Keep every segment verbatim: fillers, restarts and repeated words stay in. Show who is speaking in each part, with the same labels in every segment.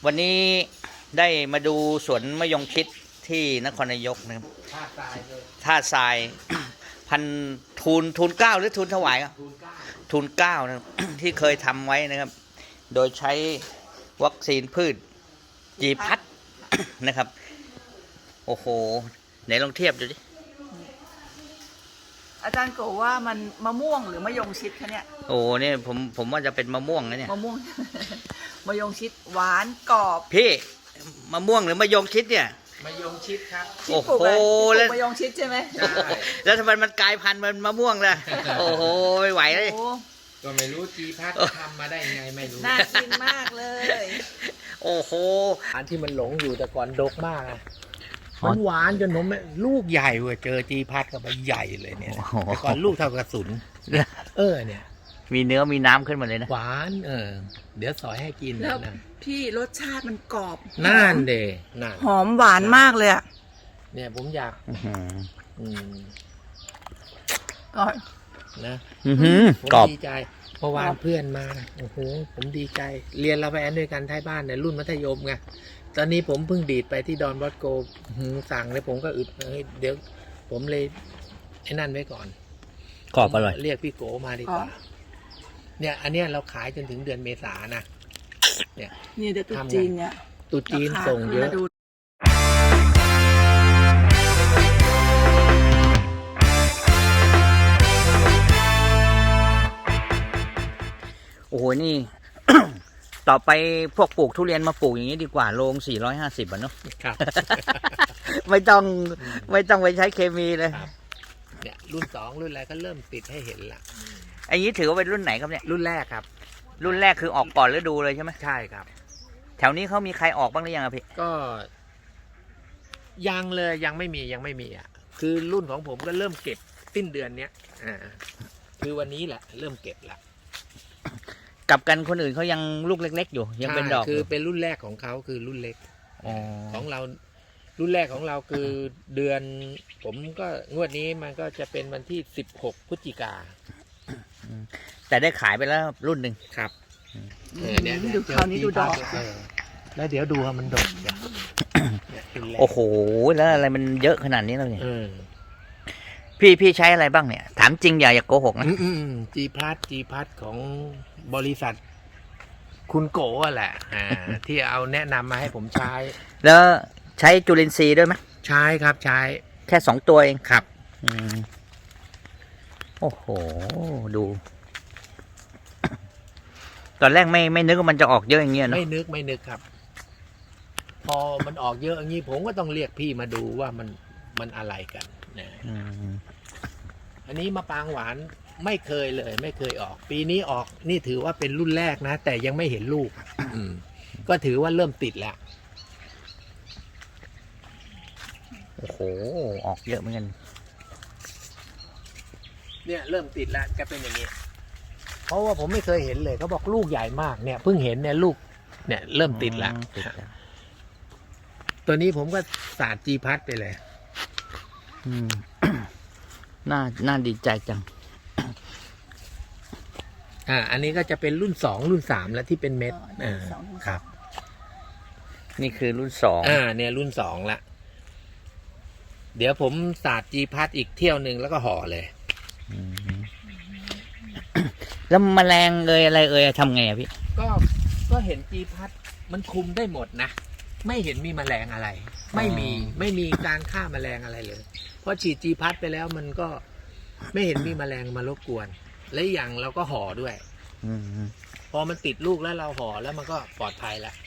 Speaker 1: วันนี้ได้มาดูสวนมะยงชิดที่นครนายกนะครับท่าทรายท่าทราย พันทูลทูลเก้าหรือทูลถวายครับทูลเก้านะครับ ที่เคยทำไว้นะครับ โดยใช้วัคซีนพืชจีพัด นะครับโอ้โหไหนลองเทียบดูดิ
Speaker 2: อาจารย์โกว่ามันมะม่วงหรือมะยงชิดคะเนี่ย
Speaker 1: โอ้เนี่ยผมผมว่าจะเป็นมะม่วงนะเนี่ย
Speaker 2: มะม่วง มะยงชิดหวานกรอบ
Speaker 1: พี่มะม่วงหรือมะยงชิดเนี่ย
Speaker 3: มะยงชิดครับ
Speaker 1: โอ้โห
Speaker 2: แล้วมะยงชิดใช่ไหมใช่
Speaker 1: แล้วทำไมมันกลายพันธุ์มันมะม่วงล่ะโอ้โหไม่ไหวเลย
Speaker 3: ก็ไม่รู้จีพัดทำมาได้ไงไม่รู้
Speaker 2: น่ากินมากเลย
Speaker 1: โอ้โห
Speaker 3: อันที่มันหลงอยู่แต่ก่อนดกมากอะมันหวานจนผมลูกใหญ่เว้ยเจอจีพัดก็ไปใหญ่เลยเนี่ยแต่ก่อนลูกเท่ากระสุนเออเนี่ย
Speaker 1: มีเนื้อมีน้ำขึ้นมาเลยนะ
Speaker 3: หวานเออเดี๋ยวสอยให้กิน
Speaker 2: แล้วพี่รสชาติมันกรอบ
Speaker 3: น่านเดน่าน
Speaker 2: หอมหวานมากเลยอ่ะ
Speaker 3: เนี่ยผมอยากอืม
Speaker 2: ก่อน
Speaker 3: นะ
Speaker 1: กรอบ
Speaker 3: ดีใจเมื่อวานเพื่อนมาโอ้โหผมดีใจเรียนเราไปแอนด้วยกันท้ายบ้านในรุ่นมัธยมไงตอนนี้ผมเพิ่งดีดไปที่ดอนบอสโกสั่งเลยผมก็อึดเดี๋ยวผมเลยไอ้นั่นไว้ก่อน
Speaker 1: กรอบอร่อย
Speaker 3: เรียกพี่โกมาดีกว่าเนี่ยอันเนี้ยเราขายจนถึงเดือนเมษานะ
Speaker 2: เนี่ยเนี่ยเดี๋ยวตุ๊จีนเนี่ย
Speaker 3: ตุ๊จีนส่งเยอะ
Speaker 1: โอ้โหนี่ ต่อไปพวกปลูกทุเรียนมาปลูกอย่างนี้ดีกว่าโลงสี่ร้อยห้าสิบอ่ะเนาะ
Speaker 3: ครับ
Speaker 1: ไม่ต้องไม่ต้องไปใช้เคมีเลย
Speaker 3: เนี่ยรุ่นสองรุ่นอะไรก็เริ่มติดให้เห็นละ
Speaker 1: อันนี้ถือว่าเป็นรุ่นไหนครับเนี่ย
Speaker 3: รุ่นแรกครับ
Speaker 1: รุ่นแรกคือออกก่อนฤดูเลยใช่ไหม
Speaker 3: ใช่ครับ
Speaker 1: แถวนี้เขามีใครออกบ้างหรือยังอะพี่
Speaker 3: ก็ยังเลยยังไม่มียังไม่มีอ่ะคือรุ่นของผมก็เริ่มเก็บสิ้นเดือนเนี้ยอ่าคือวันนี้แหละเริ่มเก็บละ
Speaker 1: กับกันคนอื่นเขายังลูกเล็กๆอยู่ยังเป็นดอก
Speaker 3: คือเป็นรุ่นแรกของเขาคือรุ่นเล็กของเรารุ่นแรกของเราคือเดือนผมก็งวดนี้มันก็จะเป็นวันที่สิบหกพฤศจิกา
Speaker 1: แต่ได้ขายไปแล้วรุ่นหนึ่ง
Speaker 3: ครับ
Speaker 2: เนี่ยดูคราวนี้ดูดอก
Speaker 3: แล้วเดี๋ยวดูว่ามันดก
Speaker 1: โอ้โหแล้วอะไรมันเยอะขนาดนี้แล้วเนี่ยพี่พี่ใช้อะไรบ้างเนี่ยถามจริงอย่าอย่าโกหกนะ
Speaker 3: จีพัทจีพัทของบริษัทคุณโกะแหละที่เอาแนะนำมาให้ผมใช้
Speaker 1: แล้วใช้จุลินทรีย์ด้วยไหม
Speaker 3: ใช้ครับใช้
Speaker 1: แค่สองตัวเอง
Speaker 3: ครับ
Speaker 1: โอ้โหดูตอนแรกไม่ไม่นึกว่ามันจะออกเยอะอย่างเงี้ยเนอะ
Speaker 3: ไม่นึกไม่นึกครับพอมันออกเยอะอย่างนี้ผมก็ต้องเรียกพี่มาดูว่ามันมันอะไรกันนะอันนี้มะปรางหวานไม่เคยเลยไม่เคยออกปีนี้ออกนี่ถือว่าเป็นรุ่นแรกนะแต่ยังไม่เห็นลูกก็ถือว่าเริ่มติดแล้ว
Speaker 1: โอ้โหออกเยอะเหมือนกัน
Speaker 3: เนี่ยเริ่มติดแล้วจะเป็นอย่างนี้เพราะว่าผมไม่เคยเห็นเลยเขาบอกลูกใหญ่มากเนี่ยเพิ่งเห็นเนี่ยลูกเนี่ยเริ่มติดแล้วตัวนี้ผมก็สาดจีพัดไปเลย
Speaker 1: อืม น่าน่าดีใจจัง
Speaker 3: อ่าอันนี้ก็จะเป็นรุ่นสองรุ่นสามแล้วที่เป็นเม็ดอ่าครับ
Speaker 1: นี่คือรุ่นสอง
Speaker 3: อ่าเนี่ยรุ่นสองละเดี๋ยวผมสาดจีพัดอีกเที่ยวหนึ่งแล้วก็ห่อเลย
Speaker 1: แล้วแมลงเอ่ยอะไรเอ่ยทำไงอะพี่
Speaker 3: ก็ก็เห็นจีพัดมันคุมได้หมดนะไม่เห็นมีแมลงอะไรไม่มีไม่มีการฆ่าแมลงอะไรเลยเพราะฉีดจีพัดไปแล้วมันก็ไม่เห็นมีแมลงมารบกวนและอย่างเราก็ห่อด้วยพอมันติดลูกแล้วเราห่อแล้วมันก็ปลอดภัยแล้ว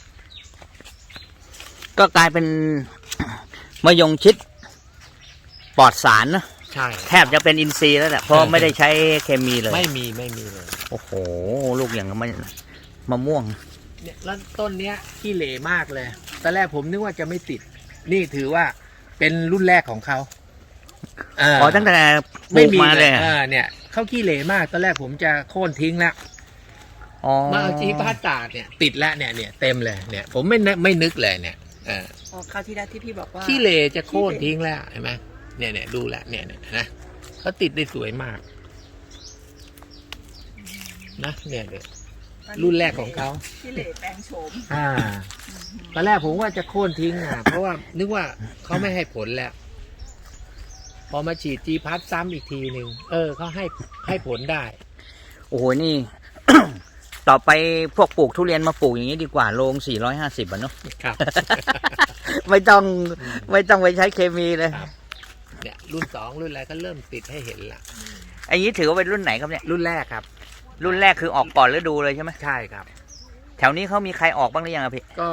Speaker 1: ก็กลายเป็นมะยงชิดปลอดสารนะ
Speaker 3: ใช่
Speaker 1: แทบจะเป็นอินทรีย์แล้วแหละเพราะไม่ได้ใช้เคมีเลย
Speaker 3: ไม่มีไม่มีเลย
Speaker 1: โอ้โหลูกอย่างมันมะม่วง
Speaker 3: เนี่ยแล้วต้นเนี้ยขี้เหร่มากเลยตอนแรกผมนึกว่าจะไม่ติดนี่ถือว่าเป็นรุ่นแรกของเขา
Speaker 1: อ๋อตั้งแต่ปลูกมาเลย
Speaker 3: อ่าเนี่ยเขาขี้เหร่มากตอนแรกผมจะโค่นทิ้งแล้วมาเอาจีพัดตาดเนี่ยติดแล้วเนี่ยเนี่ยเต็มเลยเนี่ยผมไม่ไม่นึกเลยเนี่ย
Speaker 2: อ๋อคราวที่แล้วที่พี่บอกว่า
Speaker 3: ขี้เหร่จะโค่นทิ้งแล้วเห็นไหมเนี่ยเนี่ยดูแลเนี่ยเนี่ยนะเขาติดได้สวยมากนะเนี่ยเนี่ยรุ่นแรกของเขา
Speaker 2: พี่เหล่แปลงโฉม
Speaker 3: อ่าตอนแรกผมว่าจะโค่นทิ้งอ่ะ เพราะว่านึกว่าเขาไม่ให้ผลแล้ว พอมาฉีดจีพัทซ้ำอีกทีหนึ่งเออเขาให้ให้ผลได้
Speaker 1: โอ้โหนี่ ต่อไปพวกปลูกทุเรียนมาปลูกอย่างนี้ดีกว่าโลงสี่ร้อยห้าสิบอ่ะเนาะ
Speaker 3: ครับ
Speaker 1: ไม่ต้องไม่ต้องไปใช้เคมีเลย
Speaker 3: ครับ เนี่ยรุ่นสองรุ่นอะไรก็เริ่มติดให้เห็นละ
Speaker 1: อันนี้ถือว่าเป็นรุ่นไหนครับเนี่ย
Speaker 3: รุ่นแรกครับ
Speaker 1: รุ่นแรกคือออกก่อนฤดูเลยใช่ไหม
Speaker 3: ใช่ครับ
Speaker 1: แถวนี้เขามีใครออกบ้างหรือยังอะพี่
Speaker 3: ก็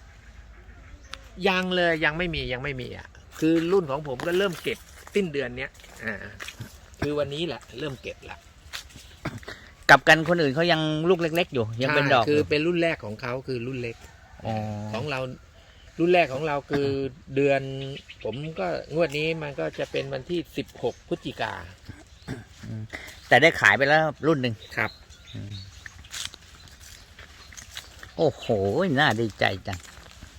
Speaker 3: ยังเลยยังไม่มียังไม่มีอ่ะ คือรุ่นของผมก็เริ่มเก็บสิ้นเดือนเนี้ยอ่าคือวันนี้แหละเริ่มเก็บละ
Speaker 1: กลับกันคนอื่นเขายังลูกเล็ก ๆ อยู่ยังเป็นดอก
Speaker 3: ใช่คือเป็นรุ่นแรกของเขาคือรุ่นเล็ก
Speaker 1: อ๋อ
Speaker 3: ของเรารุ่นแรกของเราคือเดือน ผมก็งวดนี้มันก็จะเป็นวันที่สิบหกพฤศจิกา
Speaker 1: แต่ได้ขายไปแล้วรุ่นหนึ่ง
Speaker 3: ครับ
Speaker 1: โอ้โหน่าดีใจจัง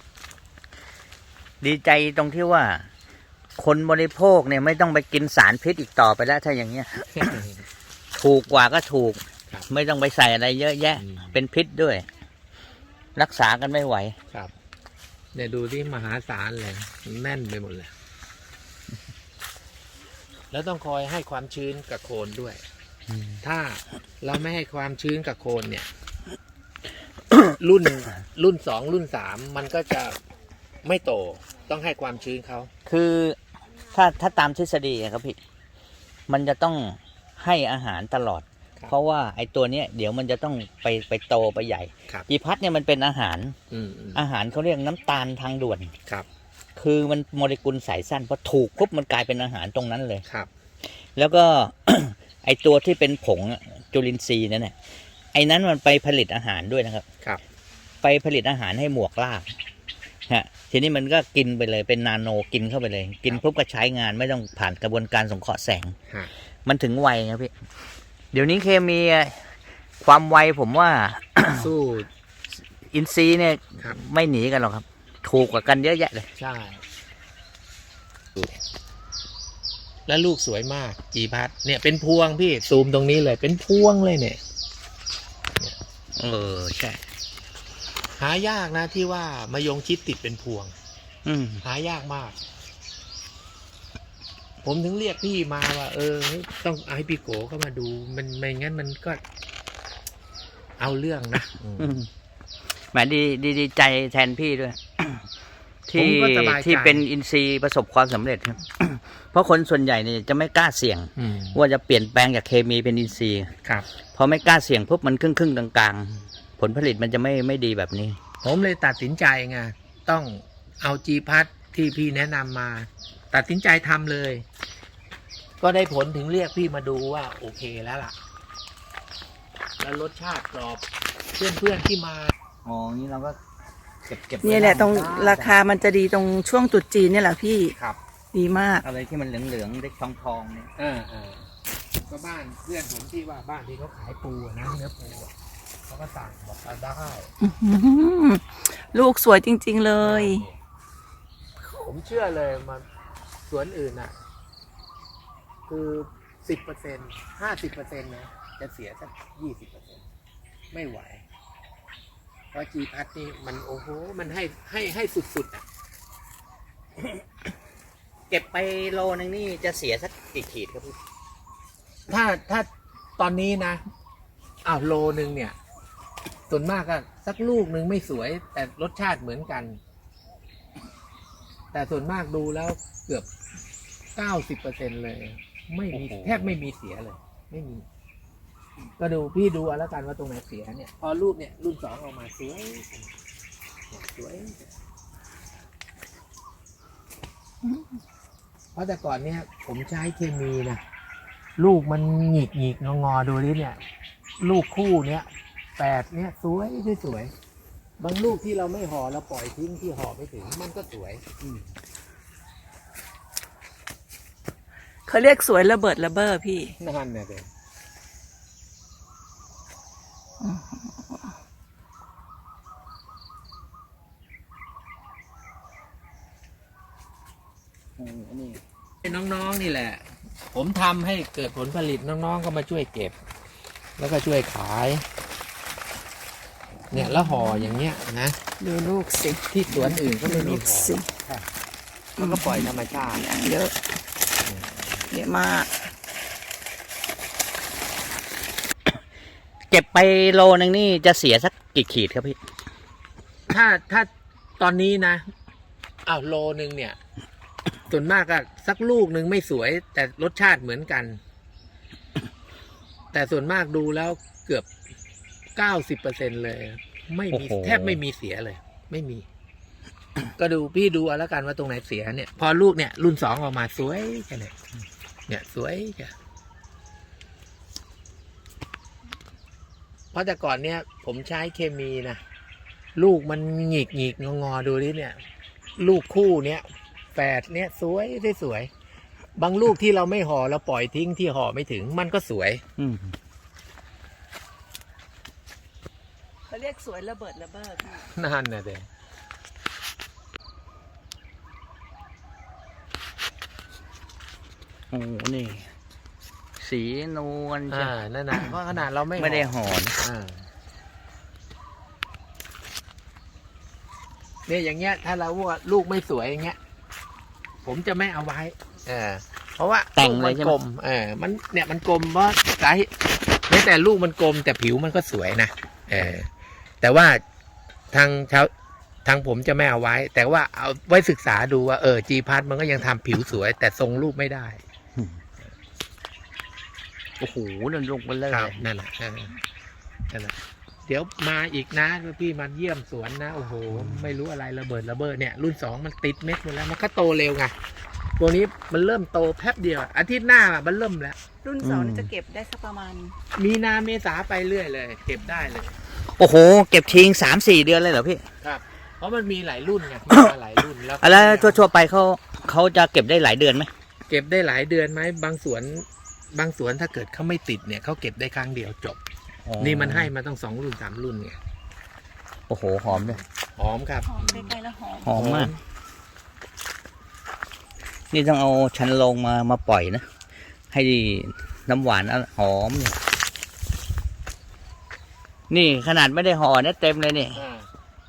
Speaker 1: ดีใจตรงที่ว่า คนบริโภคเนี่ยไม่ต้องไปกินสารพิษอีกต่อไปแล้วถ้าอย่างเงี้ย ถูกกว่าก็ถูก
Speaker 3: ครับ
Speaker 1: ไม่ต้องไปใส่อะไรเยอะแยะ
Speaker 3: อืม
Speaker 1: เป็นพิษด้วย รักษากันไม่ไหว
Speaker 3: ครับเนี่ยดูที่มหาศาลเลยแน่นไปหมดเลย แล้วต้องคอยให้ความชื้นกับโคนด้วย ถ้าเราไม่ให้ความชื้นกับโคนเนี่ย รุ่นรุ่นสองรุ่นสามมันก็จะไม่โตต้องให้ความชื้นเขา
Speaker 1: คือถ้าถ้าตามทฤษฎีอะครับพี่มันจะต้องให้อาหารตลอด เพราะว่าไอ้ตัวเนี้ยเดี๋ยวมันจะต้องไปไปโตไปใหญ่
Speaker 3: ครับ
Speaker 1: จีพัทเนี่ยมันเป็นอาหาร
Speaker 3: อืมอืม
Speaker 1: อาหารเขาเรียกน้ำตาลทางด่วน
Speaker 3: ครับ
Speaker 1: คือมันโมเลกุลสายสั้นพอถูกปุ๊บมันกลายเป็นอาหารตรงนั้นเลย
Speaker 3: ครับ
Speaker 1: แล้วก็ ไอตัวที่เป็นผงอะจุลินทรีย์นั่นแหละไอ้นั้นมันไปผลิตอาหารด้วยนะครับ
Speaker 3: ครับ
Speaker 1: ไปผลิตอาหารให้หมวกรากฮะทีนี้มันก็กินไปเลยเป็นนาโนกินเข้าไปเลย กินปุ๊บก็ใช้งานไม่ต้องผ่านกระบวนการสงเคราะห์แสง
Speaker 3: ฮะ
Speaker 1: มันถึงไวครับพี่เดี๋ยวนี้เคมีอะความไวผมว่า
Speaker 3: สู้
Speaker 1: อินทรีย์เนี่ย
Speaker 3: ครับ
Speaker 1: ไม่หนีกันหรอกครับ ถูกกว่ากันเยอะแยะเลย
Speaker 3: ใช่ แล้วลูกสวยมากจีพัทเนี่ยเป็นพวงพี่ซูมตรงนี้เลย เป็นพวงเลยเนี่ย
Speaker 1: เออใช่
Speaker 3: หายากนะที่ว่ามายงชิดติดเป็นพวง
Speaker 1: อืม
Speaker 3: หายากมาก ผมถึงเรียกพี่มาว่า เออ ต้องเอาให้พี่โกเข้ามาดู มันไม่งั้นมันก็ เอาเรื่องนะอืม
Speaker 1: อืมแหมดีดีดีใจแทนพี่ด้วย
Speaker 3: ผ
Speaker 1: ที่
Speaker 3: มก็สบายใจ
Speaker 1: ที่เป็นอินทรีย์ประสบความสำเร็จครับ เพราะคนส่วนใหญ่เนี่ยจะไม่กล้าเสี่ยง
Speaker 3: อืม
Speaker 1: ว่าจะเปลี่ยนแปลงจากเคมีเป็นอินทรีย์
Speaker 3: ครับ
Speaker 1: พอไม่กล้าเสี่ยงปุ๊บมันครึ่งครึ่งๆกลางๆ ผลผลิตมันจะไม่ไม่ดีแบบนี้
Speaker 3: ผมเลยตัดสินใจไงต้องเอาจีพัทที่พี่แนะนำมา ตัดสินใจทำเลย ก็ได้ผลถึงเรียกพี่มาดูว่า โอเคแล้วล่ะ แล้วรสชาติกรอบเพื่อนๆที่มา
Speaker 1: อ๋อ นี่เราก็เก็บเก็บ
Speaker 2: เนี่ยแหละตรงราคามันจะดีตรงช่วงตรุษจีนเนี่ยแหละพี่
Speaker 3: ครับ
Speaker 2: ดีมาก
Speaker 1: อะไรที่มันเหลืองๆเล็กทองทองๆเนี่ย
Speaker 3: เออเออก็บ้านเพื่อนผมที่ว่าบ้านที่เขาขายปูอะนะเนื้อปูอะเขาก็สั่งบอกเอาได้
Speaker 2: อื้อหือลูกสวยจริง ๆเลย
Speaker 3: ผมเชื่อเลยมาสวนอื่นอ่ะ คือสิบเปอร์เซ็นห้าสิบเปอร์เซ็นต์นะจะเสียสักยี่สิบเปอร์เซ็นต์ไม่ไหว เพราะจีพัทนี่มันโอ้โห มันให้ให้ให้สุดๆอ่ะ
Speaker 1: เก็บไปโลนึงนี่จะเสียสักกี่ขีดครับพี่
Speaker 3: ถ้าถ้าตอนนี้นะอ้าวโลนึงเนี่ย ส่วนมากก็สักลูกหนึ่งไม่สวย แต่รสชาติเหมือนกัน แต่ส่วนมากดูแล้วเกือบเก้าสิบเปอร์เซ็นเลย ไม่มี
Speaker 1: โอ้โห
Speaker 3: แทบไม่มีเสียเลย ไม่มี ก็ดูพี่ดูเอาแล้วกันว่าตรงไหนเสียเนี่ย พอรูปเนี่ยรุ่นสองออกมาสวยเนี่ยสวย เพราะแต่ก่อนเนี่ย ผมใช้เคมีนะลูกมันหงิกหงิกงองอๆดูดิเนี่ย ลูกคู่เนี่ยแปดเนี่ยสวยสวยบางลูกที่เราไม่ห่อเราปล่อยทิ้งที่ห่อไม่ถึงมันก็สวย
Speaker 2: เขาเรียกสวยระเบิดระเบ้อพี่
Speaker 3: นั่นเนี่ยเด็ น้องๆนี่แหละ ผมทำให้เกิดผลผลิตน้องๆก็มาช่วยเก็บ แล้วก็ช่วยขายเนี่ยแล้วห่ออย่างเงี้ยนะ
Speaker 2: ดูลูกสิ
Speaker 3: ที่สวนอื่นก็ไม่มี
Speaker 2: ลูก
Speaker 3: ห่อ
Speaker 2: สิ
Speaker 3: มันก็ปล่อยธรรมชาติ
Speaker 2: อย่างเยอะเยอะมาก
Speaker 1: เก็บไปโลนึงนี่จะเสียสักกี่ขีดครับพี่
Speaker 3: ถ้าถ้าตอนนี้นะอ้าวโลนึงเนี่ย ส่วนมากก็สักลูกหนึ่งไม่สวย แต่รสชาติเหมือนกัน แต่ส่วนมากดูแล้วเกือบเก้าสิบเปอร์เซ็นเลย ไม่มี
Speaker 1: โอ้โห
Speaker 3: แทบไม่มีเสียเลย ไม่มี ก็ดูพี่ดูเอาแล้วกันว่าตรงไหนเสียเนี่ย พอลูกเนี่ยรุ่นสองออกมาสวยแค่ไหนเนี่ยสวยแค่เพราะแต่ก่อนเนี่ย ผมใช้เคมีนะลูกมันหงิกหงิกงองอดูดิเนี่ย ลูกคู่เนี้ยแฝดเนี่ยสวยได้สวย บางลูกที่เราไม่ห่อเราปล่อยทิ้งที่ห่อไม่ถึงมันก็สวย
Speaker 1: อืม
Speaker 2: เขาเรียกสวยระเบิดระเบ้อพี่
Speaker 3: นั่นนะเด็
Speaker 1: โอ้นี่ สีนวล
Speaker 3: อ่า
Speaker 1: ใช่
Speaker 3: นั่นนะเพราะขนาดเราไม่
Speaker 1: ไม่ได้
Speaker 3: ห่อ
Speaker 1: ห่อนะ
Speaker 3: อ่าเนี่ยอย่างเงี้ย ถ้าเราว่าลูกไม่สวยอย่างเงี้ย ผมจะไม่เอาไว้เออเพราะว่า
Speaker 1: แต่ง
Speaker 3: ลูก
Speaker 1: เล
Speaker 3: มั
Speaker 1: ยใช่ไห
Speaker 3: ก
Speaker 1: ม
Speaker 3: ลมเออมันเนี่ยมันกลมเพราะสาเหตุแม้แต่ลูกมันกลมแต่ผิวมันก็สวยนะเออแต่ว่าทางชาวทางผมจะไม่เอาไว้ แต่ว่าเอาไว้ศึกษาดูว่าเออจีพัทมันก็ยังทำผิวสวย แต่ทรงรูปไม่ได้
Speaker 1: โอ้โหนั่นลงไปเลย
Speaker 3: ครับนั่นแหละเออนั่นแหละเดี๋ยวมาอีกนะพี่มาเยี่ยมสวนนะโอ้โหไม่รู้อะไรระเบิดระเบิดเนี่ยรุ่นสองมันติดเม็ดหมดแล้วมันก็โตเร็วไงตัวนี้มันเริ่มโตแป๊บเดียวอาทิตย์หน้ามันเริ่มแล้ว
Speaker 2: รุ่นสองนี่จะเก็บได้สักประมาณ
Speaker 3: มีนาเมษาไปเรื่อยเลย เก็บได้เลย
Speaker 1: โอ้โห เก็บทิ้งสามสี่เดือนเลยเหรอพี่
Speaker 3: ครับ เพราะมันมีหลายรุ่นไงมีมาหลายรุ่นแล้ว
Speaker 1: แล้วทั่วๆไปเขาเขาจะเก็บได้หลายเดือนไหม
Speaker 3: เก็บได้หลายเดือนไหมบางสวนบางสวนถ้าเกิดเขาไม่ติดเนี่ยเขาเก็บได้ครั้งเดียวจบ นี่มันให้มาต้องสองรุ่นสามรุ่นไง
Speaker 1: โอ้โหหอมด้วย
Speaker 3: หอมครับ
Speaker 2: หอมใกล้ๆแล้วหอม
Speaker 1: หอมมาก นี่ต้องเอาชันลงมามาปล่อยนะ ให้น้ำหวานหอมเลยนี่ขนาดไม่ได้ห่อนะเต็มเลยนี่
Speaker 3: อ่า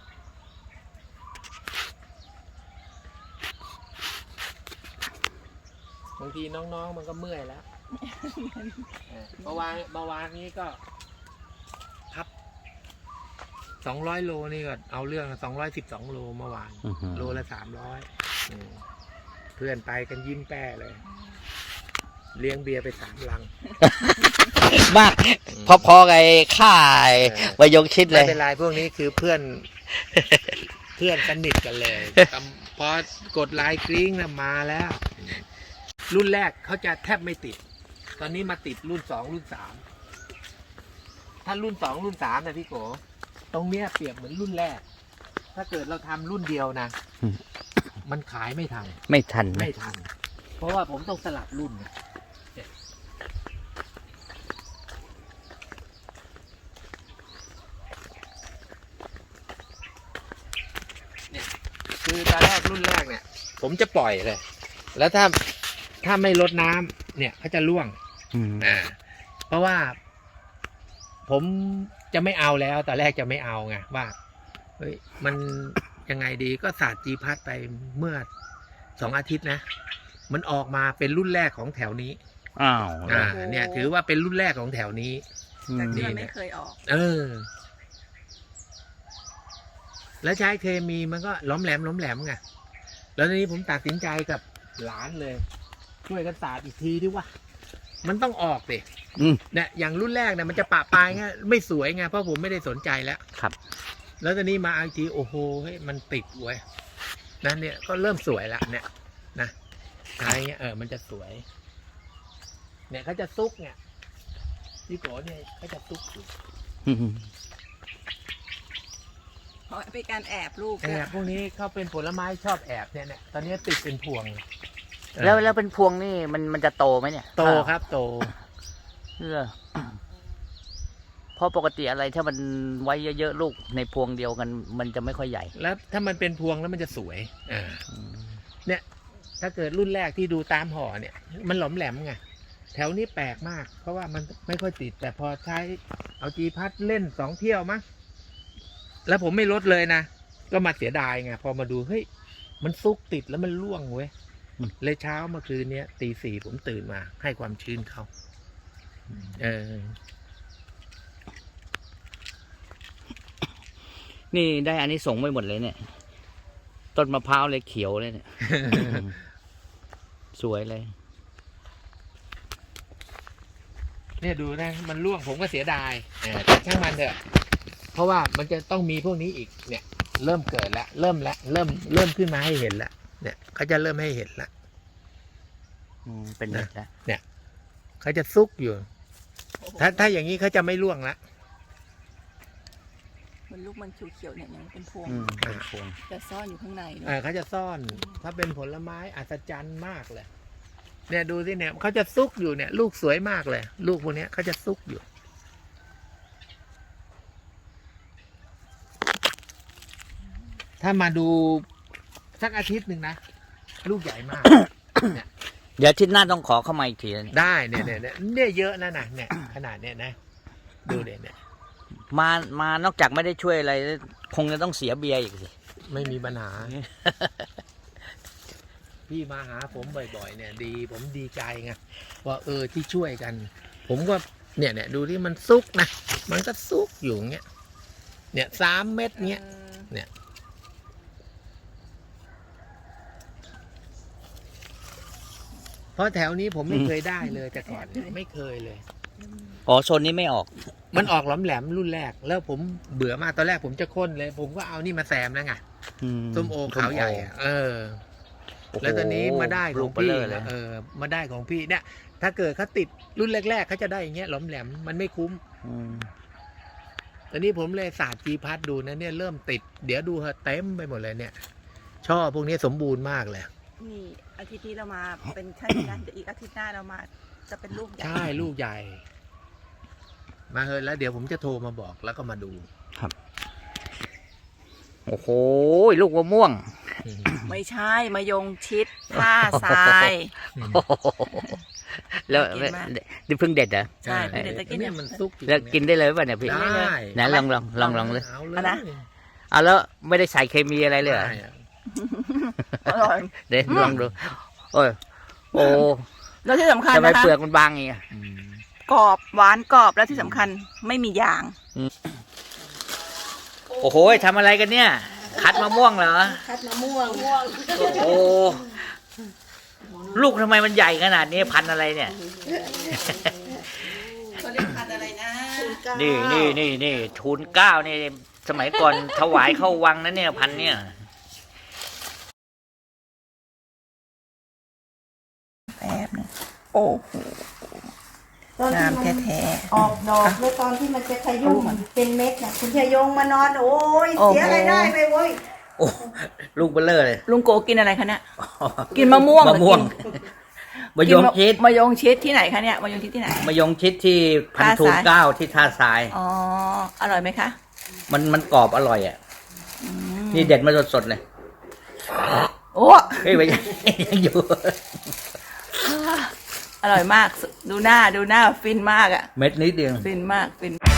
Speaker 3: บางทีน้องๆมันก็เมื่อยแล้วเออเมื่อวานเมื่อวานนี้ก็พับสองร้อยโลนี่ก็เอาเรื่องสองร้อยสิบสองโลเมื่อวาน
Speaker 1: อื้อหือ
Speaker 3: โลละสามร้อยเพื่อนไปกันยิ้มแป้เลย เลี้ยงเบียร์ไปสามลัง
Speaker 1: มากพอๆกับไอ้ข่ายมายงชิดเล
Speaker 3: ไม่
Speaker 1: ย
Speaker 3: เป็นไรพวกนี้คือเพื่อน เพื่อนสนิทกันเลยตำพอกดไลน์กริ้งนะมาแล้ว รุ่นแรกเขาจะแทบไม่ติด ตอนนี้มาติดรุ่นสองรุ่นสามถ้ารุ่นสองรุ่นสามนะพี่โกตรงเนี้ยเปรียบเหมือนรุ่นแรก ถ้าเกิดเราทำรุ่นเดียวนะ
Speaker 1: อืม
Speaker 3: มันขายไม่ทัน
Speaker 1: ไม่ทันนะ
Speaker 3: ไม่ทัน เพราะว่าผมต้องสลับรุ่นไงเนี่ยคือตอนแรกรุ่นแรกเนี่ย ผมจะปล่อยเลย แล้วถ้าถ้าไม่ลดน้ำเนี่ยเขาจะร่วง
Speaker 1: อืม
Speaker 3: อ่า เพราะว่า ผมจะไม่เอาแล้วตอนแรกจะไม่เอาไงว่าเฮ้ยมันยังไงดีก็ศาสตร์จีพัดไปเมื่อสองอาทิตย์นะ มันออกมาเป็นรุ่นแรกของแถวนี้
Speaker 1: อ้าว
Speaker 3: อ่า เนี่ย ถือว่าเป็นรุ่นแรกของแถวนี้
Speaker 1: อืม
Speaker 2: จากที่มันไม่เคยออก
Speaker 3: เออ แล้วใช้เคมีมันก็ล้อมแหลมล้อมแหลมไงแล้วทีนี้ผมตัดสินใจกับหลานเลย ช่วยกันศาสตร์อีกทีที่ว่า มันต้องออกดิ
Speaker 1: อืม
Speaker 3: เนี่ยอย่างรุ่นแรกเนี่ยมันจะปะปลายไงไม่สวยไงเพราะผมไม่ได้สนใจแล้ว
Speaker 1: ครับ
Speaker 3: แล้วตอนนี้มาอีกทีโอ้โหเฮ้ยมันติดเว้ยนั่นเนี่ยก็เริ่มสวยละเนี่ยนะอะไรเงี้ยเออมันจะสวย เนี่ยเขาจะซุกเนี่ยพี่โกเนี่ยเขาจะซุกอยู่
Speaker 1: อืม
Speaker 2: เพราะเป็นการแอบลูก
Speaker 3: แอบพวกนี้เขาเป็นผลไม้ชอบแอบเนี่ยเนี่ยตอนนี้ติดเป็นพวง
Speaker 1: แล้วแล้วเป็นพวงนี่มันมันจะโตไหมเนี่ย
Speaker 3: โตครับโต
Speaker 1: เออเพราะปกติอะไรถ้ามันไว้เยอะๆลูกในพวงเดียวกัน มันจะไม่ค่อยใหญ่
Speaker 3: แล้วถ้ามันเป็นพวงแล้วมันจะสวยอ่า
Speaker 1: อืม
Speaker 3: เนี่ยถ้าเกิดรุ่นแรกที่ดูตามห่อเนี่ย มันหลอมแหลมไงแถวนี้แปลกมาก เพราะว่ามันไม่ค่อยติด แต่พอใช้เอาจีพัดเล่นสองเที่ยวมั้งแล้วผมไม่ลดเลยนะก็มาเสียดายไงพอมาดูเฮ้ยมันซุกติดแล้วมันร่วงเว้ยเลยเช้าเมื่อคืนนี้ตีสี่ผมตื่นมาให้ความชื้นเขาเออ
Speaker 1: นี่ได้อันนี้ส่งส์ไปหมดเลยเนี่ย ต้นมะพร้าวเลยเขียวเลยเนี่ย สวยเลย
Speaker 3: เนี่ยดูนะมันร่วงผมก็เสียดายเออแต่ช่างมันเถอะเพราะว่ามันจะต้องมีพวกนี้อีกเนี่ย เริ่มเกิดแล้วเริ่มแล้วเริ่มเริ่มขึ้นมาให้เห็นแล้วเนี่ยเขาจะเริ่มให้เห็นแล้ว
Speaker 1: อืมเป็นเม็ดแล้ว
Speaker 3: เขาจะซุกอยู่ ถ้าถ้าอย่างนี้เขาจะไม่ร่วงละ
Speaker 2: มันลูกมันเขียวๆเนี่ยยังเป็นพวง
Speaker 1: อืมเป็นพวง
Speaker 2: แต่ซ่อนอยู่ข้างในเนอะ
Speaker 3: เออเขาจะซ่อน ถ้าเป็นผลไม้อัศจรรย์มากเลย เนี่ยดูสิเนี่ยเขาจะซุกอยู่เนี่ย ลูกสวยมากเลย ลูกพวกเนี้ยเขาจะซุกอยู่ ถ้ามาดูสักอาทิตย์หนึ่งนะลูกใหญ่มาก เนี่ย
Speaker 1: เดี๋ยวอาทิตย์หน้าต้องขอเข้ามาอีกทีแล้วเนี่ย
Speaker 3: ได้เนี่ยเนี่ยเนี่ยเนี่ยเยอะนะนะเนี่ยขนาดเนี่ยนะ ดูเด่นเนี่ย
Speaker 1: มามานอกจากไม่ได้ช่วยอะไรคงจะต้องเสียเบียร์อีกสิ
Speaker 3: ไม่มีปัญหา พี่มาหาผมบ่อยๆ เนี่ยดี ผมดีใจไงว่าเออที่ช่วยกัน ผมก็เนี่ยเนี่ยดูที่มันซุกนะมันก็ซุกอยู่เงี้ยเนี่ยสามเม็ดเงี้ย เนี่ย เพราะแถวนี้ผมไม่เคยได้เลยแต่ก่อนเนี่ยไม่เคยเลย
Speaker 1: อ๋อโซนนี้ไม่ออก
Speaker 3: มันออกหลอมแหลมรุ่นแรก แล้วผมเบื่อมากตอนแรกผมจะค้นเลย ผมก็เอานี่มาแซมแล้วไง
Speaker 1: อื
Speaker 3: ส้มโอขาวใหญ่อะเออ
Speaker 1: โอ้โห
Speaker 3: แล้วตอนนี้มาได้ของ
Speaker 1: ลูกเบล
Speaker 3: พี่
Speaker 1: อเลย
Speaker 3: เออมาได้ของพี่เนี่ย ถ้าเกิดเขาติดรุ่นแรกๆเขาจะได้อย่างเงี้ยหลอมแหลมมันไม่คุ้ม
Speaker 1: อืม
Speaker 3: ตอนนี้ผมเลยศาสตร์จีพัดดูนะเนี่ยเริ่มติด เดี๋ยวดูเถอะเต็มไปหมดเลยเนี่ย ช่อพวกนี้สมบูรณ์มากเลย
Speaker 2: นี่อาทิตย์นี้เรามาเป็นขั้นกันเดี๋ยวอีกอาทิตย์หน้าเรามาจะเป็นลูกใหญ่
Speaker 3: ใช่ลูกใหญ่ มาเฮอะแล้วเดี๋ยวผมจะโทรมาบอกแล้วก็มาดู
Speaker 1: โอ้โหลูกมะม่วง
Speaker 2: ไม่ใช่มายงชิดท่าทราย
Speaker 1: แล้ว
Speaker 2: กินมาก
Speaker 1: นี่เพิ่งเด็ดเหรอ
Speaker 2: ใช่ไม่ได้จะกิน
Speaker 3: เนี่ยมันซุกอยู่
Speaker 1: แล้วกินได้เลยป่ะเนี่ยพี่
Speaker 3: ได้
Speaker 1: ไหนลองลองลองลองเลย
Speaker 3: เอาเล
Speaker 2: เอานะ
Speaker 3: ย
Speaker 1: เอาแล้วไม่ได้ใส่เคมีอะไรเลยเหรอ
Speaker 3: ได้อะ
Speaker 2: อร่อย
Speaker 1: เดี๋ยวลองดูโอ้ยโอ้
Speaker 2: แล้วที่สำคัญ
Speaker 1: ทำไม
Speaker 2: นะคะ
Speaker 1: เปลือกมันบางอย่างเงี้ย
Speaker 2: กรอบหวานกรอบแล้วที่สำคัญไม่มียาง
Speaker 1: โอ้โหทำอะไรกันเนี่ย คัดมะม่วงเหรอ
Speaker 2: คัดมะม่วงม่วง
Speaker 1: โอ้ลูกทำไมมันใหญ่ขนาดนี้พันธุ์อะไรเนี่ย
Speaker 2: เขาเรียกพันอะไรนะ
Speaker 1: นี่นี่นี่นี่ทูลเก้านี่สมัยก่อนถวายเข้าวังนะเนี่ยพันธุ์เนี่ย
Speaker 2: แป๊บนึงโอ้โห
Speaker 4: ตอนที่
Speaker 2: งาม
Speaker 4: มัน
Speaker 2: แท้
Speaker 4: ออกดอกแล้วตอนที่มันจะขยุ่มเป็นเม็ดน่ะคุณชายงมานอน โอ้ย
Speaker 2: โอ้โห
Speaker 4: เสียรายได้ไปเว้ย
Speaker 1: โอ้ลูกเบลเลอร์เลย
Speaker 2: ๆลุงโกกินอะไรคะเนี่ยกินมะม่วง
Speaker 1: มะม่วง
Speaker 2: หรือกิน
Speaker 1: มะยงชิด
Speaker 2: มะยงชิดที่ไหนคะเนี่ยมะยงชิดที่ไหน
Speaker 1: มะยงชิดที่พัน
Speaker 2: ท่า
Speaker 1: ทูล
Speaker 2: ทราย
Speaker 1: เก้าที่ท่าทราย
Speaker 2: อ๋ออร่อยไหมคะ
Speaker 1: มันมันกรอบอร่อยอ่ะ นี่เด็ดมาสดๆเลย
Speaker 2: โอ้
Speaker 1: เฮ้ยไม่ใช่ ยังอยู่
Speaker 2: อร่อยมากดูหน้าดูหน้าฟินมากอะ
Speaker 1: เม็ดนิดเดียว
Speaker 2: ฟินมากฟิน